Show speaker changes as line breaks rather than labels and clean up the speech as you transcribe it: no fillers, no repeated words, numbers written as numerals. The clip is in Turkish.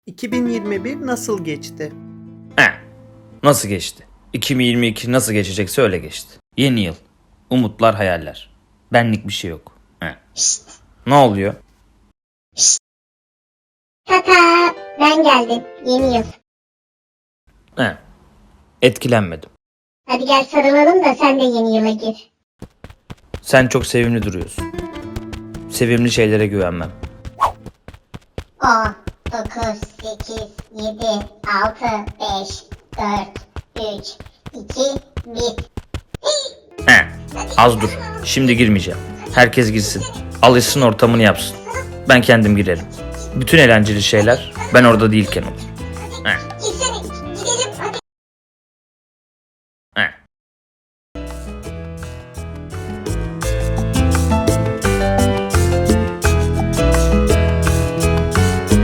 2021 nasıl geçti?
Nasıl geçti? 2022 nasıl geçecekse öyle geçti. Yeni yıl. Umutlar, hayaller. Benlik bir şey yok. Ne oluyor?
Tata, ben geldim. Yeni yıl.
Etkilenmedim.
Hadi gel sarılalım da sen de yeni yıla gir.
Sen çok sevimli duruyorsun. Sevimli şeylere güvenmem.
10, 9, 8, 7, 6, 5, 4, 3, 2, 1.
Az dur. Şimdi girmeyeceğim. Herkes girsin. Alışsın, ortamını yapsın. Ben kendim girerim. Bütün eğlenceli şeyler ben orada değilken olur.